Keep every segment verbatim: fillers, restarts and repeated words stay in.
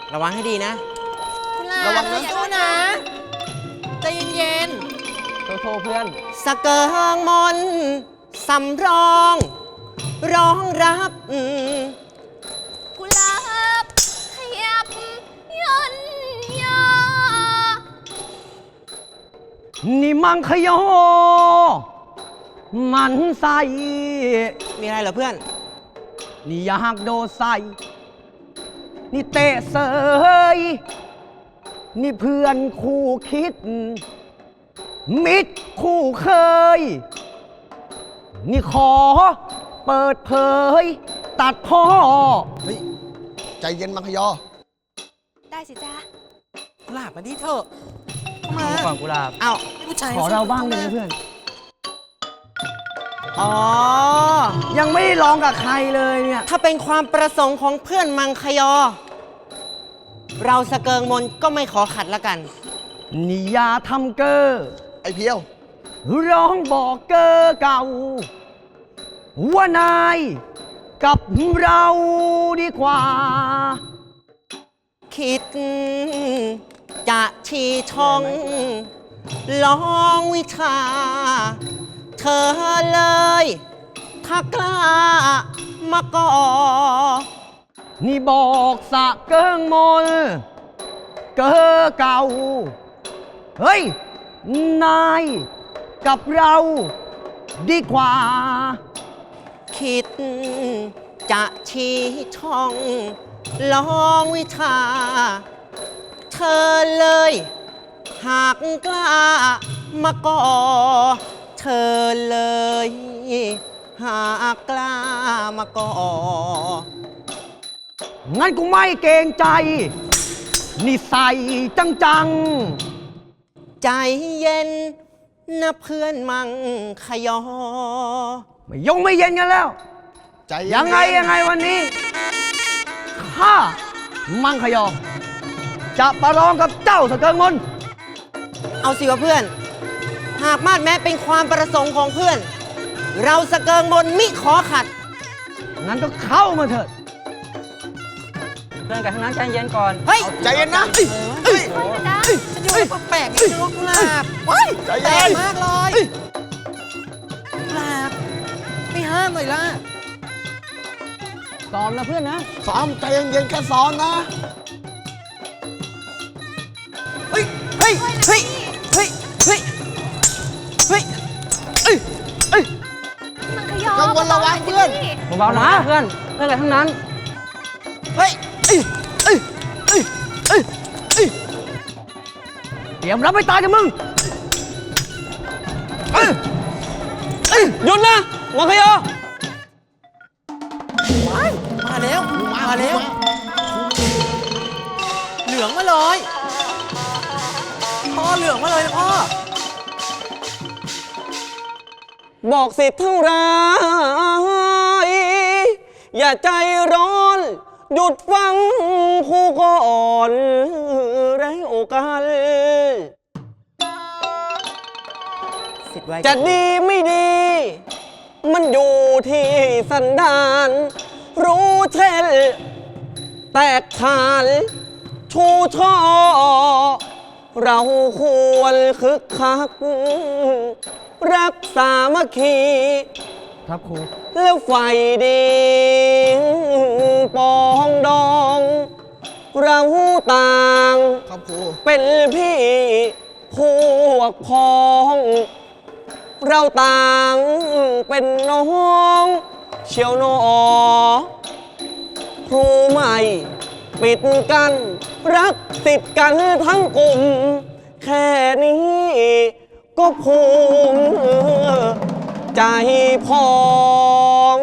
ระวังให้ดีนะคุณลาระวังนะสู้นะใจเย็นโทรเพื่อนสะเกิงมนสำรองร้องรับกุหลาบขยับย่นยอนี่มังคยอมันใส่มีอะไรเหรอเพื่อนนี่อยากโดใส่นี่เตะเสยนี่เพื่อนคู่คิดมิตรคู่เคยนี่ขอเปิดเผยตัดพ่อเฮ้ยใจเย็นมังคยอได้สิจ้ากุหลาบมาดิเถอะมาก่อนกุหลาบเอ้าผู้ชายขอเราบ้างเลยเพื่อนอ๋อยังไม่ได้ลองกับใครเลยเนี่ยถ้าเป็นความประสงค์ของเพื่อนมังคยอเราสะเกิงมนก็ไม่ขอขัดละกันนี่อย่าทำเกอไอ้เพียวร้องบอกเกอเก่าว่านายกับเราดีกว่าคิดจะชี้ช่องลองวิชาเธอเลยถ้ากล้ามาก่อนี่บอกสะเกิงมนเกอเก่าเฮ้ยนายกับเราดีกว่าคิดจะชี้ช่องลองวิชาเธอเลยหากกล้ามาก่อเธอเลยหากกล้ามาก่องั้นกูไม่เกรงใจนี่ใส่จังจังใจเย็นนะเพื่อนมังคยอไม่ยงไม่เย็นกันแล้วใจยังไงยังไงวันนี้ข้ามังคยอจะประลองกับเจ้าสะเกิงมนเอาสิวะเพื่อนหากมาดแม้เป็นความประสงค์ของเพื่อนเราสะเกิงมนมิขอขัดงั้นก็เข้ามาเถิดเพื่อนกันทั้งนั้นใจเย็นก่อนเฮ้ยใจเย็นนะเฮ้ยฉันดูแปลกๆนี่นะกุหลาบเฮ้ยแปลกมากเลยกุหลาบไม่ห้ามหน่อยล่ะซ้อมนะเพื่อนนะซ้อมใจเย็นๆแค่ซ้อมนะเฮ้ยเฮ้ยเฮ้ยเฮ้ยเฮ้ยเฮ้ยเอ้ยเอ้ยมังคยอกังวลระวังเพื่อนเบาๆนะเพื่อนเพื่อนกันทั้งนั้นเฮ้ยเอ้ยเอ้ยเอ้ยเอ้ยเอ้ยเตรียมรับไม่ตายกับมึงเอ้ยเอ้ยหยุดนะมังคยอมาแล้วมาแล้วเหลืองมาเลยพ่อเหลืองมาเลยพ่อบอกสิเท่าไรอย่าใจร้อนหยุดฟังคู่ก่อนไรโอกาสจะดีไม่ดีมันอยู่ที่สันดานรู้เช่นแตกขานชูช่อเราควรคึกคักรักสามัคคีครับครูแล้วไฟดีปองดองเราต่างครับครูเป็นพี่พวกพ้องเราต่างเป็นน้องเชียวหนอครูใหม่ปิดกันรักติดกันทั้งกลุ่มแค่นี้ก็ภูมิใจพอง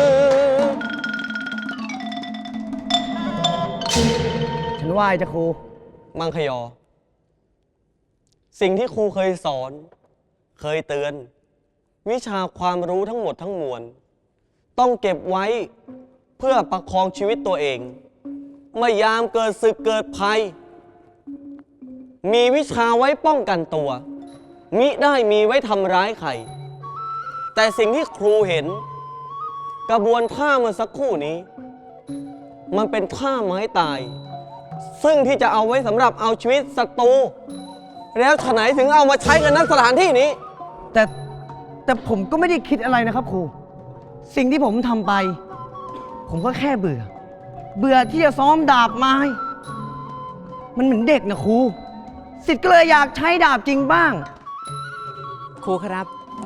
ฉันไหว้จ้ะครูมังคยอสิ่งที่ครูเคยสอนเคยเตือนวิชาความรู้ทั้งหมดทั้งมวลต้องเก็บไว้เพื่อประคองชีวิตตัวเองเมื่อยามเกิดศึกเกิดภัยมีวิชาไว้ป้องกันตัวมิได้มีไว้ทำร้ายใครแต่สิ่งที่ครูเห็นกระบวนท่าเมื่อสักครู่นี้มันเป็นท่าไม้ตายซึ่งที่จะเอาไว้สำหรับเอาชีวิตศัตรูแล้วฉะไหนถึงเอามาใช้กันณสถานที่นี้แต่แต่ผมก็ไม่ได้คิดอะไรนะครับครู สิ่งที่ผมทำไป ผมก็แค่เบื่อ เบื่อที่จะซ้อมดาบไม้ มันเหมือนเด็กนะครู สิทธิ์ก็เลยอยากใช้ดาบจริงบ้างครูครับ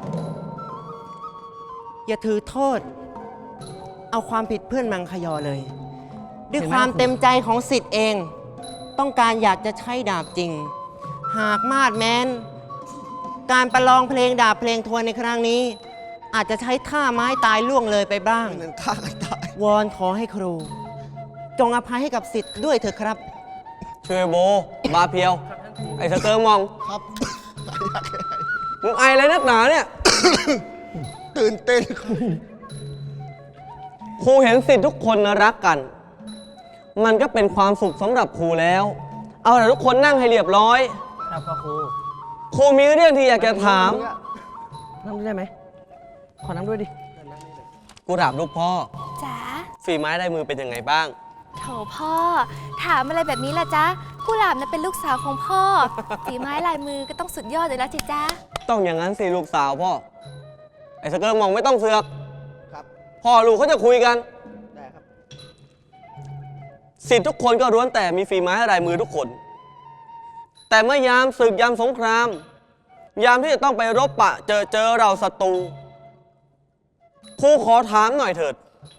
อย่าถือโทษ เอาความผิดเพื่อนมังคยอเลย ด้วยเห็นไหมความครูเต็มใจของสิทธิ์เอง ต้องการอยากจะใช้ดาบจริง หากมาดแม้น การประลองเพลงดาบเพลงทวนในครั้งนี้ อาจจะใช้ท่าไม้ตายล่วงเลยไปบ้างเงินฆ่ากันตายวอนขอให้ครู จงอภัยให้กับสิทธิ์ด้วยเถอะครับช่วยโบบาเพียว ไอ้สเกิร์มองครับมึงไออะไรนักหนาเนี่ยตื่นเต้นครูเห็นสิทธิ์ทุกคนรักกัน มันก็เป็นความสุขสำหรับครูแล้ว เอาแต่ทุกคนนั่งให้เรียบร้อยครับพ่อครูครูมีเรื่องที่อยากจะถามนั่งด้วยได้ไหม ขอนั่งด้วยดิกูถามลูกพ่อจ๋าฝีไม้ลายมือเป็นยังไงบ้างโถพ่อ ถามอะไรแบบนี้ล่ะจ๊ะกุหลาบน่ะเป็นลูกสาวของพ่อ ฝีไม้ลายมือก็ต้องสุดยอดเลยแล้วสิจ๊ะต้องอย่างนั้นสิลูกสาวพ่อ ไอ้สเกิร์มองไม่ต้องเสือกครับพ่อลูกเขาจะคุยกันได้ครับสิทธิ์ทุกคนก็ล้วนแต่มีฝีไม้ลายมือทุกคน แต่เมื่อยามศึกยามสงคราม ยามที่จะต้องไปรบปะเจอเจอเราศัตรูครูขอถามหน่อยเถิด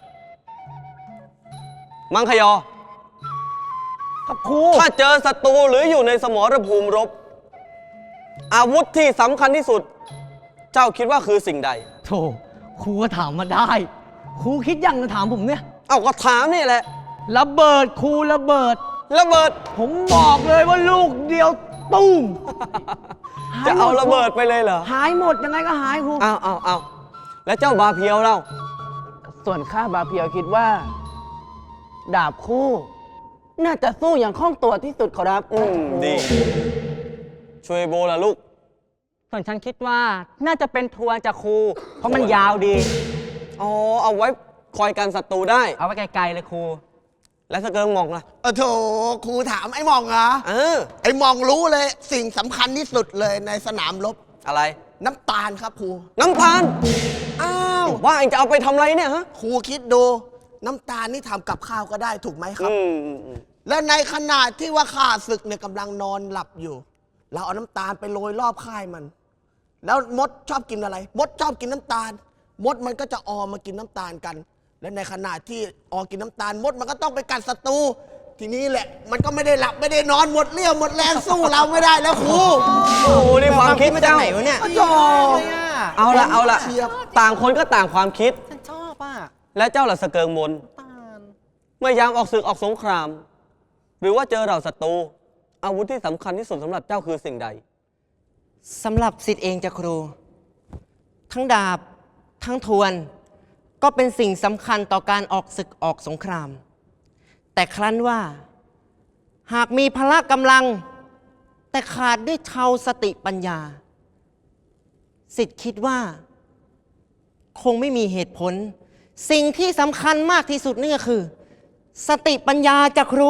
มังคยอครับครูถ้าเจอศัตรูหรืออยู่ในสมรภูมิรบ อาวุธที่สำคัญที่สุด เจ้าคิดว่าคือสิ่งใดโถครูก็ถามมาได้ ครูคิดยังจะถามผมเนี่ยเอาก็ถามนี่แหละระเบิดครูระเบิดระเบิดผมบอกเลยว่าลูกเดียวตุ้มจะเอาระเบิดไปเลยเหรอหายหมดยังไงก็หายครูเอาเอาเอาแล้วเจ้าบาเพียวเล่าส่วนข้าบาเพียวคิดว่า ดาบคู่ น่าจะสู้อย่างคล่องตัวที่สุดขอรับอืมดี ช่วยโบล่ะลูกส่วนฉันคิดว่าน่าจะเป็นทวนจากครู เพราะมันยาวดีอ๋อ เอาไว้คอยกันศัตรูได้เอาไว้ไกลๆเลยครูแล้วสเกิร์มองล่ะเออโถครูถามไอ้หมองเหรอเออไอ้หมองรู้เลย สิ่งสำคัญที่สุดเลยในสนามรบอะไรน้ำตาลครับครูน้ำตาล อ้าว ว่าเองจะเอาไปทำอะไรเนี่ยฮะครูคิดดู น้ำตาลนี่ทำกับข้าวก็ได้ถูกไหมครับอืมอืมอืมแล้วในขณะที่ว่าข้าศึกเนี่ยกำลังนอนหลับอยู่ เราเอาน้ำตาลไปโรยรอบค่ายมัน แล้วมดชอบกินอะไร มดชอบกินน้ำตาล มดมันก็จะออมากินน้ำตาลกัน และในขณะที่ออกินน้ำตาล มดมันก็ต้องไปกัดศัตรูทีนี้แหละ มันก็ไม่ได้หลับไม่ได้นอนหมดเรี่ยวหมดแรงสู้เราไม่ได้แล้วครูโอ้โหนี่ความคิดมาจากเจ้าไหนวะเนี่ยโอ้โหเอาละเอาละเชียบต่างคนก็ต่างความคิดฉันชอบอ่ะและเจ้าล่ะสเกิร์มนตาลเมื่อยามออกศึกออกสงคราม หรือว่าเจอเราศัตรู อาวุธที่สำคัญที่สุดสำหรับเจ้าคือสิ่งใดสำหรับสิทธิ์เองจะครู ทั้งดาบ ทั้งทวน ก็เป็นสิ่งสำคัญต่อการออกศึกออกสงคราม แต่ครั้นว่า หากมีพละกำลัง แต่ขาดด้วยเชาวสติปัญญา สิทธิ์คิดว่า คงไม่มีเหตุผล สิ่งที่สำคัญมากที่สุดนี่ก็คือ สติปัญญาจากครู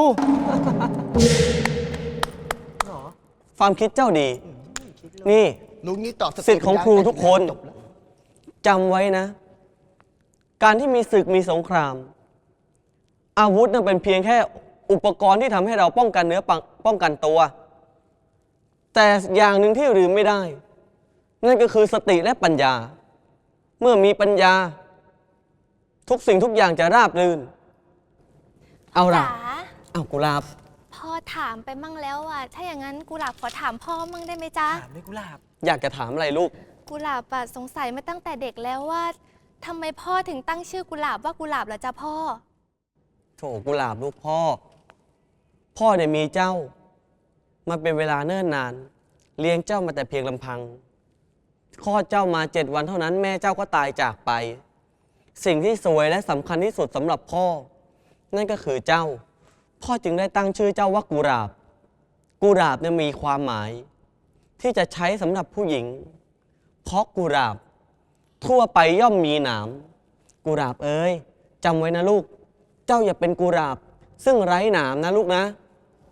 ความคิดเจ้าดี นี่ลุงนี่ตอบสติสิทธิ์ของครูทุกคนจบแล้วจำไว้นะ การที่มีศึกมีสงคราม อาวุธนั้นเป็นเพียงแค่อุปกรณ์ที่ทำให้เราป้องกันเนื้อปังป้องกันตัว แต่อย่างหนึ่งที่ลืมไม่ได้ นั่นก็คือสติและปัญญา เมื่อมีปัญญา ทุกสิ่งทุกอย่างจะราบรื่น เอาล่ะจ๋าเอากุหลาบพ่อถามไปมั่งแล้วอ่ะ ถ้าอย่างนั้นกุหลาบขอถามพ่อมั่งได้ไหมจ๊ะถามไม่กุหลาบอยากจะถามอะไรลูกกุหลาบอะสงสัยมาตั้งแต่เด็กแล้วว่าทำไมพ่อถึงตั้งชื่อกุหลาบว่ากุหลาบล่ะจ๊ะพ่อโถกุหลาบลูกพ่อ พ่อเนี่ยมีเจ้า มาเป็นเวลาเนิ่นนาน เลี้ยงเจ้ามาแต่เพียงลำพังคลอดเจ้ามาเจ็ดวันเท่านั้นแม่เจ้าก็ตายจากไป สิ่งที่สวยและสำคัญที่สุดสำหรับพ่อ นั่นก็คือเจ้า พ่อจึงได้ตั้งชื่อเจ้าว่ากุหลาบ กุหลาบเนี่ยมีความหมาย ที่จะใช้สำหรับผู้หญิง เพราะกุหลาบ ทั่วไปย่อมมีหนามกุหลาบเอ้ยจำไว้นะลูก เจ้าอย่าเป็นกุหลาบ ซึ่งไร้หนามนะลูกนะ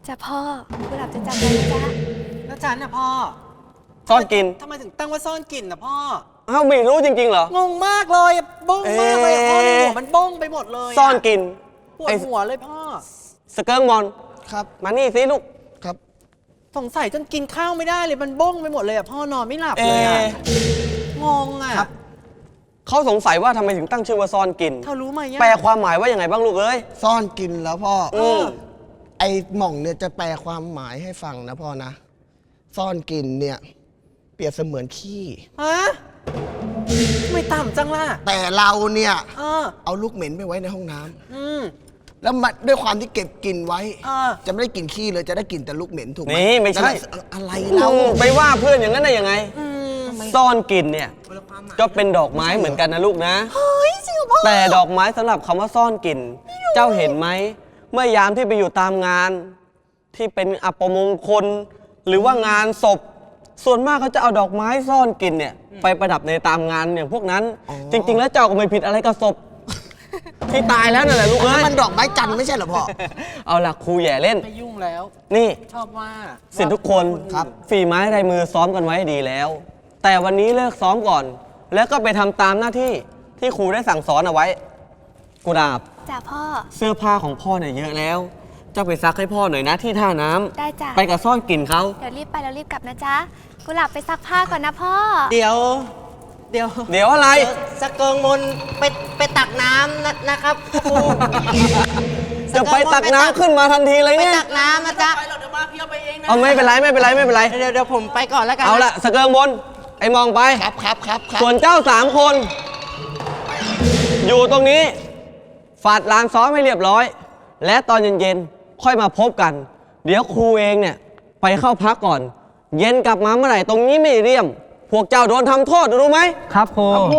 จ้ะพ่อกุหลาบจะจำไว้นะจ๊ะแล้วฉันนะพ่อซ่อนกินทำไมถึงตั้งว่าซ่อนกลิ่นนะพ่อเอ้าไม่รู้จริงๆเหรองงมากเลยอะบ้งมากเลยอะพ่อเอ๊ะหัวมันบ้งไปหมดเลยะซ่อนกินปวดไอ้หัวเลยพ่อสเกิร์งบอลครับมานี่สิลูกครับสงสัยจนกินข้าวไม่ได้เลยมันบ้งไปหมดเลยอะพ่อนอนไม่หลับเอเลยอะะงงอะเขาสงสัยว่าทำไมถึงตั้งชื่อว่าซ่อนกินเธอรู้ไหมอะแปลความหมายว่าอย่างไงบ้างลูกเอ้ยซ่อนกินแล้วพ่อออืมไอ้หม่องเนี่ยจะแปลความหมายให้ฟังนะพ่อนะ ซ่อนกินเนี่ยเปรียบเสมือนขี้ฮะทำไม่ต่ำจังล่ะแต่เราเนี่ยเออเอาลูกเหม็นไปไว้ในห้องน้ำอืมแล้วมันด้วยความที่เก็บกลินไว้เออจะไม่ได้กลินขี้เลยจะได้กลินแต่ลูกเหม็นถูกไหมนี่ไม่ใช่นั่นแหละอะไรเราอืมไปว่าเพื่อนอย่างนั้นได้ยังไงอืมซ่อนกินเนี่ย ก็เป็นดอกไม้เหมือนกันนะลูกนะเฮ้ยจริงเหรอพ่อแต่ดอกไม้สำหรับคำว่าซ่อนกลิ่น เจ้าเห็นไหม เมื่อยามที่ไปอยู่ตามงาน ที่เป็นอัปมงคล หรือว่างานศพ ส่วนมากเขาจะเอาดอกไม้ซ่อนกลิ่นเนี่ย ไปประดับในตามงานอย่างพวกนั้น จริง ๆ แล้วเจ้าก็ไม่ผิดอะไรกับศพ ที่ตายแล้วนั่นแหละลูกอันเอ้นั้นยมันดอกไม้จันทร์ไม่ใช่เหรอพ่อเอาล่ะครูแย่เล่นไม่ยุ่งแล้วนี่ชอบว่าสิทธิ์ทุกคนครับฝีไม้ลายมือซ้อมกันไว้ดีแล้ว แต่วันนี้เลิกซ้อมก่อน แล้วก็ไปทำตามหน้าที่ที่ครูได้สั่งสอนเอาไว้ กุหลาบจ้ะพ่อเสื้อผ้าของพ่อเนี่ยเยอะแล้ว เจ้าไปซักให้พ่อหน่อยนะที่ท่าน้ำได้จ้ะไปกับซ่อนกลิ่นเขาเดี๋ยวรีบไปแล้วรีบกลับนะจ๊ะกุหลาบไปซักผ้าก่อนนะพ่อเดี๋ยว เดี๋ยวเดี๋ยวอะไรสกเกิงมนไปไปตักน้ำนะนะครับครูจะไปตักน้ำขึ้นมาทันทีเลยไปเนี่ยตักน้ำนะจ๊ะเอาไม่เป็นไรไม่เป็นไรไม่เป็นไรเดี๋ยวเดี๋ยวผมไปก่อนแล้วกันเอาละสเกิงบน ไอ้มองไปครับครับครับครับส่วนเจ้าสามคน อยู่ตรงนี้ ฝาดลานซ้อมให้เรียบร้อย และตอนเย็นๆ ค่อยมาพบกัน เดี๋ยวครูเองเนี่ย ไปเข้าพักก่อน เย็นกลับมาเมื่อไหร่ตรงนี้ไม่เรียม พวกเจ้าโดนทำโทษรู้ไหมครับครูครู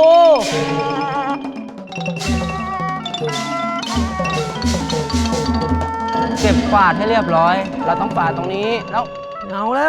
เก็บกวาดให้เรียบร้อย เราต้องกวาดตรงนี้ แล้วเอาแล้ว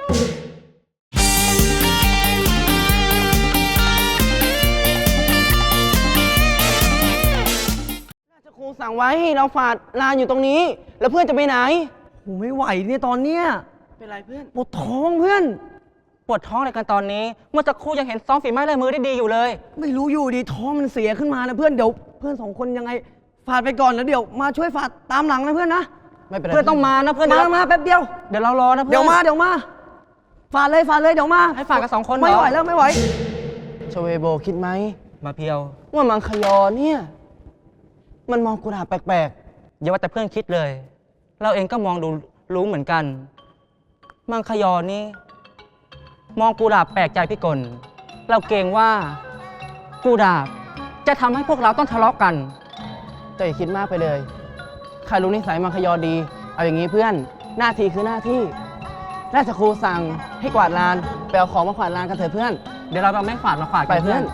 ราชครูสั่งไว้ให้เราฝาดลานอยู่ตรงนี้ แล้วเพื่อนจะไปไหนโหไม่ไหวเนี่ยตอนเนี้ยเป็นไรเพื่อนปวดท้องเพื่อนปวดท้องอะไรกันตอนนี้ เมื่อสักครู่ยังเห็นซ้อมฝีไม้ลายมือได้ดีอยู่เลยไม่รู้อยู่ดีท้องมันเสียขึ้นมานะเพื่อนเดี๋ยวเพื่อนสองคนยังไงฝาดไปก่อนแล้วเดี๋ยวมาช่วยฝาดตามหลังนะเพื่อนนะไม่เป็นไร เพื่อนต้องมานะเพื่อนมาเดี๋ยวมาแป๊บเดียวเดี๋ยวเรารอนะเพื่อนเดี๋ยวมาเดี๋ยวมาฝาดเลยฝาดเลยเดี๋ยวมาให้ฝาดกันสองคนไม่เหรอไหวแล้วไม่ไหวชเวโบคิดไหมมาเพียวว่ามังคยอเนี่ย มันมองกุหลาบแปลกๆ อย่าว่าแต่เพื่อนคิดเลย เราเองก็มองดูรู้เหมือนกัน มังคยอนี่ มองกุหลาบแปลกใจพี่กลเราเกรงว่ากุหลาบจะทำให้พวกเราต้องทะเลาะกัน แต่อย่าคิดมากไปเลยใครรู้นิสัยมังคยอดี เอาอย่างนี้เพื่อน หน้าที่คือหน้าที่ราชครูสั่งให้กวาดลานไปเอาของมากวาดลานกันเถอะเพื่อน เดี๋ยวเราเอาไม้ฝาดมาฝาดกันเพื่อน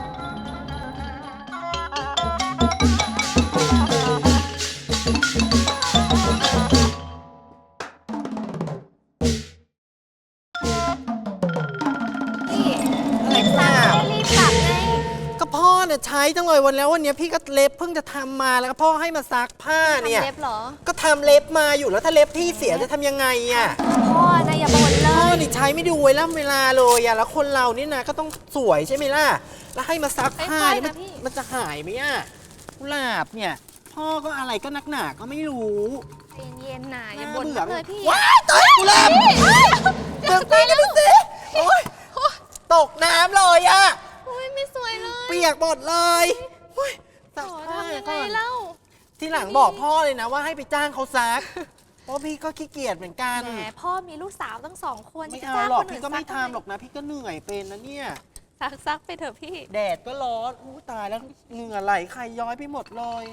นี่เห็นซักไม่รีบกลับไงก็พ่อเนี่ยใช้จังเลยวันแล้ววันเนี้ยพี่ก็เล็บเพิ่งจะทำมาแล้วก็พ่อให้มาซักผ้าเนี่ยทำเล็บเหรอก็ทำเล็บมาอยู่แล้วถ้าเล็บพี่เสียจะทำยังไงอ่ะพ่อนะอย่าบ่นเลพ่อย นี่ใช้ไม่ดูเวลาเวลาเลยอ่ะแล้วคนเรานี่นะก็ต้องสวยใช่ไหมล่ะแล้วให้มาซักผ้าค่อยเนี่ยๆมันนะพี่มันจะหายไหมอ่ะกุหลาบเนี่ย พ่อก็อะไรก็นักหนาก็ไม่รู้ใจเย็นๆนะอย่าบ่นน่มากเลยพี่ว้ายตายกุหลาบเดี๋ยวไปแล้วสิโอ๊ยตกน้ำเลยอ่ะโอ้ยไม่สวยเลยเปียกหมดเลยโอ๊ยโอ้ซักผ้าทำยังไงก่อนเล่าที่หลังบอกพ่อเลยนะว่าให้ไปจ้างเขาซัก เพราะพี่ก็ขี้เกียจเหมือนกันแหมพ่อมีลูกสาวตั้งสองคนไม่จะเอาจ้างหรอกคนอื่พี่นก็ไม่ซัทำหรอกนะ พี่ก็เหนื่อยเป็นนะเนี่ยซักซักไปเถอะพี่แดดก็ร้อนอู้ตายแล้วเหงื่อไหลใครย้อยไปหมดเลย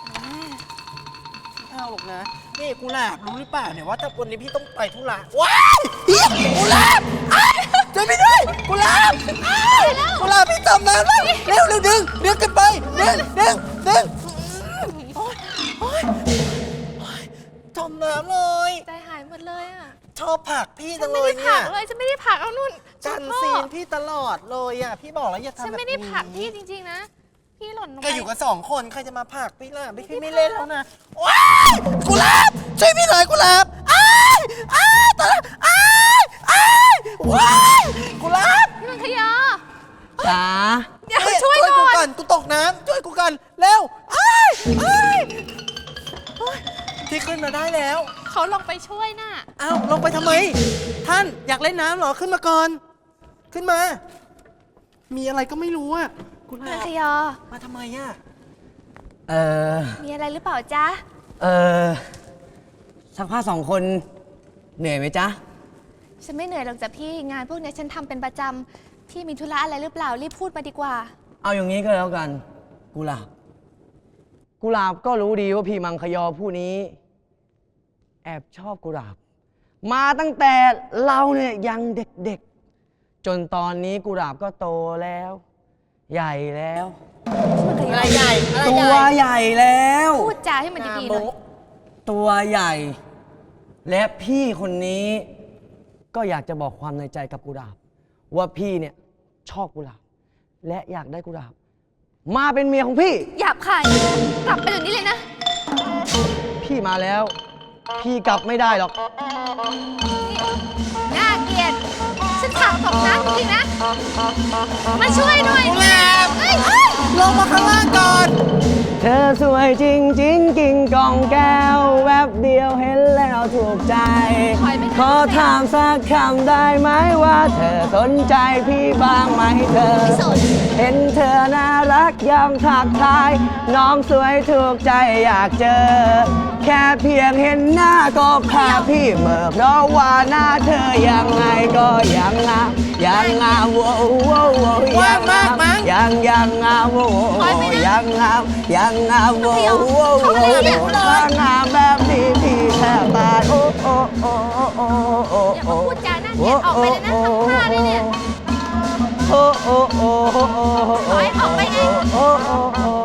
ไม่เอาหรอกนะนี่กุหลาบรู้หรือเปล่าเนี่ยว่าถ้าวันนี้พี่ต้องไปธุระว้ายเหี้ยกุหลาบอ้ายช่วยพี่ด้วยกุหลาบอ้ายกุหลาบพี่จมน้ำแล้วเร็วเร็วดึงดึงกันไปดึงดึงดึงโอ๊ยโอ๊ยโอ๊ยจมน้ำเลยใจหายหมดเลยอ่ะชอบผลักพี่ฉัจันงไม่เลยได้เนี่ผลัยกเลยฉันไม่ได้ผลักเอานุ่นจันพ่อซีนพี่ตลอดเลยอ่ะพี่บอกแล้วอย่าทำฉันแบบไม่ได้ผลักพี่นี้จริงๆนะ พี่หล่นลงไปก็อยู่กันสองคนใครจะมาผลักพี่ล่ะไม่พี่ไม่เล่นแล้วนะว้ายกุหลาบช่วยพี่หน่อยกุหลาบอ้ายอ้ายตายอ้ายอ้ายว้ายกุหลาบพี่มังคยอจ๋าเดี๋ยวเฮ้ยช่วยกูก่อนก่อนกูตกน้ำช่วยกูก่อนเร็วอ้ายอ้ายเฮ้ยที่ขึ้นมาได้แล้วเขาลงไปช่วยน่ะอ้าวลงไปทำไม ท่านอยากเล่นน้ำเหรอขึ้นมาก่อน ขึ้นมา มีอะไรก็ไม่รู้อ่ะกุหมัลาง บคยอมาทำไมอ่ะเออมีอะไรหรือเปล่าจ๊ะเออสักผ้าสองคนเหนื่อยไหมจ๊ะฉันไม่เหนื่อยหรอกจ้ะพี่ งานพวกนี้ฉันทำเป็นประจำ พี่มีธุระอะไรหรือเปล่า รีบพูดมาดีกว่าเอาอย่างนี้ก็แล้วกัน กุหลาบ กุหลาบก็รู้ดีว่าพี่มังคยอผู้นี้ แอบชอบกุหลาบ มาตั้งแต่เราเนี่ยยังเด็กๆ จนตอนนี้กุหลาบก็โตแล้ว ใหญ่แล้วอะไรใหญ่อะไรตัใหญ่วใหญ่แล้วพูดจาให้มันดีๆหน่อยตัวใหญ่ และพี่คนนี้ก็อยากจะบอกความในใจกับกุหลาบ ว่าพี่เนี่ยชอบกุหลาบ และอยากได้กุหลาบ มาเป็นเมียของพี่หยาบคายกลับไปเดี๋ยวนี้เลยนะพี่มาแล้ว พี่กลับไม่ได้หรอกน่าเกลียด ฉันถามตกน้ำจริงๆนะ มาช่วยหน่อยกุหลาบเฮ้ยเฮ้ยลงมาข้างล่างก่อนเธอสวยจริงจริงกิ่งกองแก้ว แวบเดียวเห็นแล้วถูกใจ ขอถามสักคำได้ไหมว่าเธอสนใจพี่บ้างไหมเธอไม่สนเห็นเธอน่ารักยังทักทาย น้องสวยถูกใจอยากเจอ แค่เพียงเห็นหน้าก็พาพี่เหม่อเพราะว่าหน้าเธอยังไงก็ยังงามยังงามโว้โว้โว้ว่างมากมั้งยังยังงามโว้ยังงามยังงามโว้โว้โว้ถ้างามแบบนี้พี่แทบตายโอ้โอ้โอ้โอ้โอ้อย่ามาพูดจาน่าเกลียดออกไปเลยนะทำท่าเลยเนี่ยโอ้โอ้โอ้โอ้โอ้ถอยออกไปไงโอ้โอ้โอ้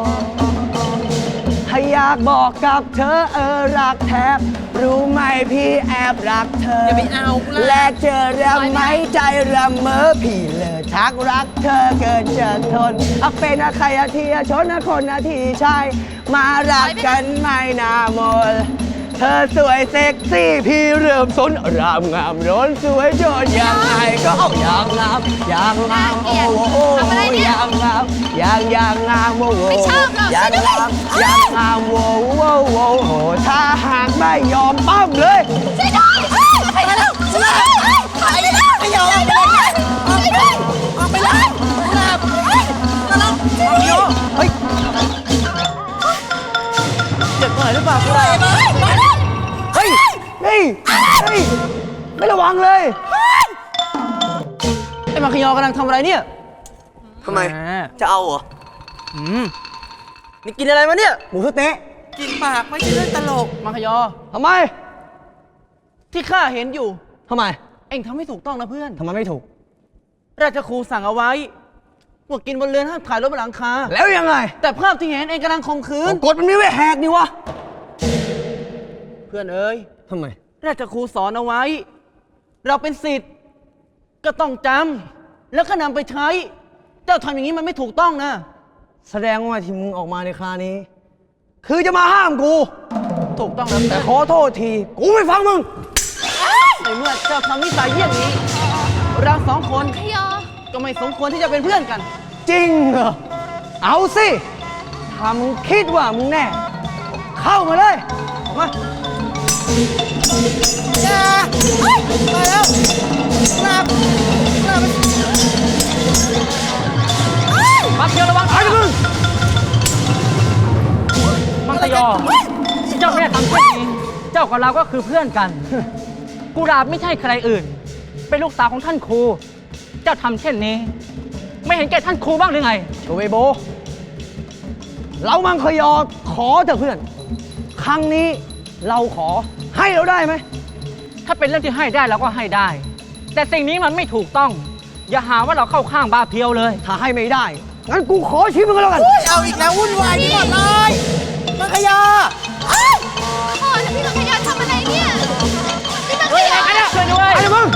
ถ้าอยากบอกกับเธอเออรักแทบ รู้ไหมพี่แอบรักเธออย่อาไปเอากูละแลกเจอรำไหมใจรำเมอพี่เลยชักรักเธอเกินจะทนเอาเป็นอาใครอาทีชนอาคนอาทีชายมารักกันไม่นามนเธอสวยเซ็กซี่พี่เริ่มสนรามงามร้นสวยจนยังไงก็เอาอย่างงามอย่างงามโอ้โหอย่างงามอย่างอย่างงามโอ้โหไม่ชอบหรอกอย่างงามอย่างงามโอ้โหโอ้โหถ้าหากไม่ยอมปั้มเลยช่วยด้วยเฮ้ยไปแล้วช่วยด้วยเฮ้ยถอยไปแล้วไม่ยอมออกไปเลยออกไปเลยออกไปเลยกุหลาบมาลงมาโยเฮ้ยเจ็บตรงไหนหรือเปล่ากุหลาบเฮ้ยเฮ้ยเฮ้ยไม่ระวังเลยไอ้มาคยอกำลังทำอะไรเนี่ยทำไมแหจะเอาเหรออืมนี่กินอะไรมาเนี่ย หมูสะเต๊ะกินปากไม่ใช่เรื่องตลกมังคยอทำไมที่ข้าเห็นอยู่ทำไมเอ็งทำไม่ถูกต้องนะเพื่อนทำไมไม่ถูกราชครูสั่งเอาไว้ว่ากินบนเรือนห้ามถ่ายรถบนหลังคาแล้วยังไงแต่ภาพที่เห็นเอ็งกำลังข่มขืนกฎมันมีไว้แหกนี่วะเพื่อนเอ้ยทำไมราชครูสอนเอาไว้ เราเป็นศิษย์ก็ต้องจำแล้วก็นำไปใช้ เจ้าทำอย่างนี้มันไม่ถูกต้องนะแสดงว่าที่มึงออกมาในคราวนี้ คือจะมาห้ามกูถูกต้องแล้วแต่แต่ขอโทษที กูไม่ฟังมึงในเมื่อเจ้าทำนิสัยเยี่ยงนี้ เราสองคนขยอก็ไม่สมควรที่จะเป็นเพื่อนกันจริงเหรอ เอาสิถ้ามึงคิดว่ามึงแน่ เข้ามาเลยมาอย่าเฮ้ยมาแล้วหลับหลับมักเดียวระวังไอ้มึงมังคยอ เจ้าแม่ทำเช่นนี้ เจ้ากับเราก็คือเพื่อนกัน กุหลาบไม่ใช่ใครอื่น เป็นลูกสาวของท่านครู เจ้าทำเช่นนี้ ไม่เห็นแก่ท่านครูบ้างหรือไงโชเวโบ เรามังคยอขอเถอะเพื่อน ครั้งนี้เราขอให้เราได้ไหมถ้าเป็นเรื่องที่ให้ได้เราก็ให้ได้ แต่สิ่งนี้มันไม่ถูกต้อง อย่าหาว่าเราเข้าข้างบาเพียวเลยถ้าให้ไม่ได้ งั้นกูขอชีวิตมึงก็แล้วกันเอาอีกแล้ววุ่นวายไปหมดเลยมังคยาพ่อแล้วพี่มังคยอทำอะไรเนี่ย พี่มังคยอช่วยด้วยไอ้มึง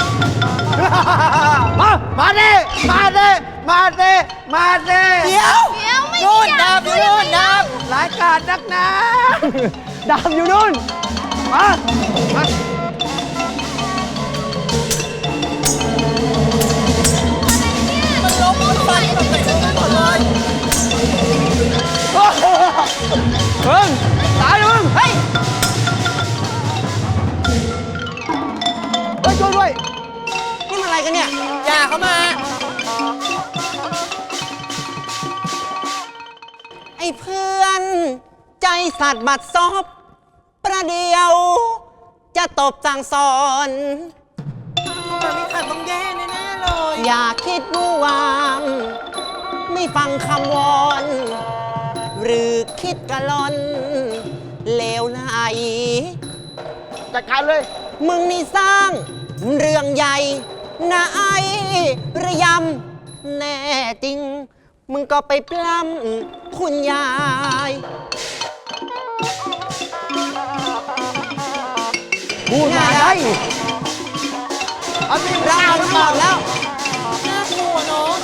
มามาเด้มาเด้มาเด้มาเด้เดี๋ยวเดี๋ยวไม่นู่นอยาดาก บอยู่นู่นดาบหลายกาดนักหนาดาบอยู่นู่น มา มาฟันแบบไหนก็ไม่หมดเลยมึงตายเลยมึงเฮ้ยเฮ้ยช่วยด้วยนี่มันอะไรกันเนี่ยอย่าเข้ามาไอ้เพื่อนใจสัตว์บัดซบประเดียว จะตบสั่งสอนมันไม่ขาดต้องแย่แน่ๆเลยอย่าคิดวู่วามไม่ฟังคำวอน หรือคิดกะลอนเลวไหลจัดการเลยมึงนี่สร้างเรื่องใหญ่นะไอ้ระยำแน่จริง มึงก็ไปปล้ำคุณยายพูดมาได้อันนี้เราทั้งหมดแล้วน่ากลัวเนาะ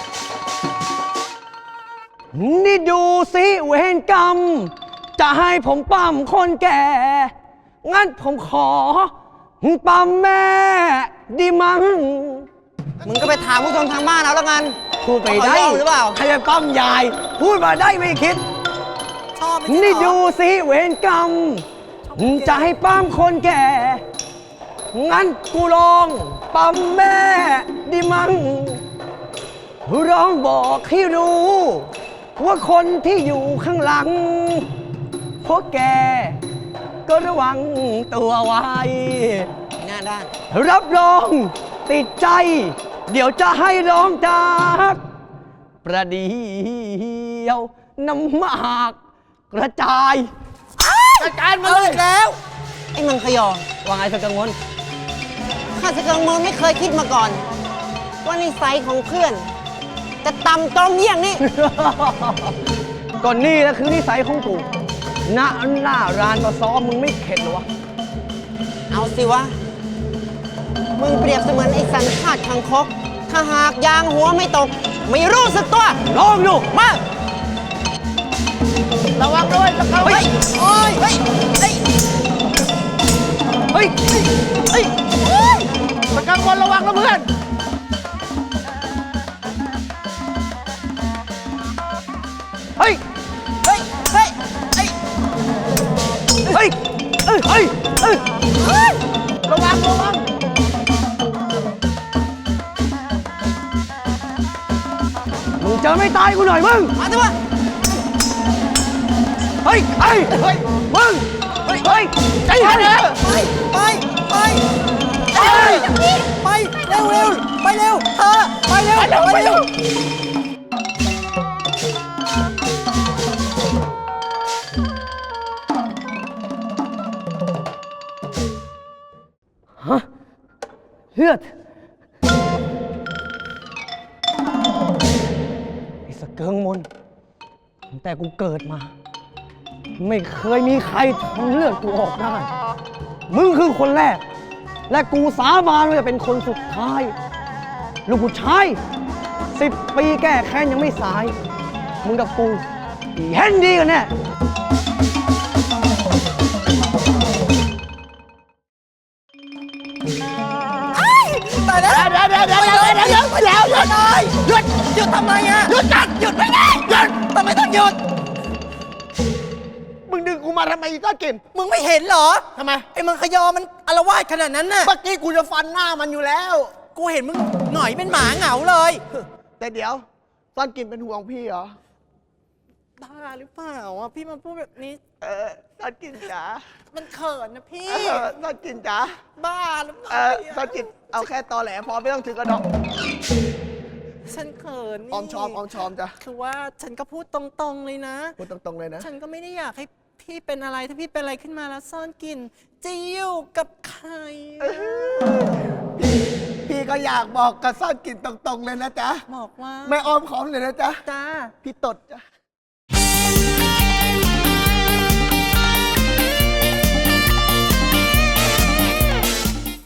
นี่ดูสิเวรกรรม จะให้ผมปั้มคนแก่ งั้นผมขอปั้มแม่ดีมั้งมึงก็ไปถามผู้ชมทางบ้านเอาแล้วกันพูดไปได้เขายอมหรือเปล่าใครจะปั้มยาย พูดมาได้ไม่คิดชอบไม่ใช่เหรอนี่ดูสิเวรกรรม จะให้ปั้มคนแก่ งั้นกูลองปั้มแม่ดีมั้งร้องบอกให้รู้ ว่าคนที่อยู่ข้างหลัง พวกแกก็ระวังตัวไว้หน้าด้านรับรองติดใจ เดี๋ยวจะให้ร้องจากประเดี๋ยวน้ำหมากกระจายจัดการมาเลยแล้วไอ้มังคยอว่าไงสกังวลข้าสกังมลไม่เคยคิดมาก่อน ว่านิสัยของเพื่อน จะต่ำตรงเยี่ยงนี้ก่อนนี่แหละคือนิสัยของกูหน้าหน้ารานมาซ้อมมึงไม่เข็ดเหรอวะเอาสิวะ มึงเปรียบเสมือนไอ้สันชาติคังคก ถ้าหากยางหัวไม่ตก ไม่รู้สึกตัวลองดูมาระวังด้วยสกังวลเฮ้ยโอ้ยเฮ้ยเฮ้ยเฮ้ยเฮ้ยเฮ้ยสกังวลระวังนะเพื่อน เฮ้ยเฮ้ยเฮ้ยเฮ้ยเฮ้ย เฮ้ย เฮ้ย เฮ้ยเฮ้ยระวังระวังมึงเจอไม่ตายกูหน่อยมึงมาสิวะเฮ้ยเฮ้ยเฮ้ยมึง เฮ้ย เฮ้ยใจเย็นนะไปไปไปเฮ้ยไปเร็วเร็วไปเร็วเธอไปเร็วไปเร็วฮะเลือดไอ้สเกิงมนตั้งแต่กูเกิดมา ไม่เคยมีใครทำเลือดกูออกได้ มึงคือคนแรก และกูสาบานว่าจะเป็นคนสุดท้าย ลูกผู้ชายสิบปีแก้แค้นยังไม่สาย มึงกับกูเห็นดีกันแน่ตายแล้วเดี๋ยวเดี๋ยวเดี๋ยวเดี๋ยวเดี๋ยวเดี๋ยวเดี๋ยวหยุดเลยหยุดหยุดทำไมอ่ะหยุดจัดหยุดไม่ได้หยุดทำไมต้องหยุดมึงดึงกูมาทำไมอีต้าเกมมึงไม่เห็นเหรอทำไมไอ้มังคยอมันอารวาสขนาดนั้นน่ะเมื่อกี้กูจะฟันหน้ามันอยู่แล้วกูเห็นมึงหน่อยเป็นหมาเหงาเลยแต่เดี๋ยวซ่อนกินเป็นห่วงพี่เหรอบ้าหรือเปล่าอ่ะพี่มาพูดแบบนี้เออซ่อนกินจ๋ามันเขินนะพี่เออซ่อนกินจ๋าบ้าหรือเปเอล่าอซ่อนกินเอาแค่ตอแหลพอไม่ต้องถึงกระดอกฉันเขินนี่ออมชอมออมชอมจ้ะคือว่าฉันก็พูดตรงๆเลยนะพูดตรงๆเลยนะฉันก็ไม่ได้อยากให้พี่เป็นอะไรถ้าพี่เป็นอะไรขึ้นมาแล้วซ่อนกลิ่นจะอยู่กับใครพี่พี่ก็อยากบอกกับซ่อนกินตรงๆเลยนะจ๊ะบอกว่าไม่อ้อมขอมเลยนะจ๊ะจ้าพี่ตดจ้ะ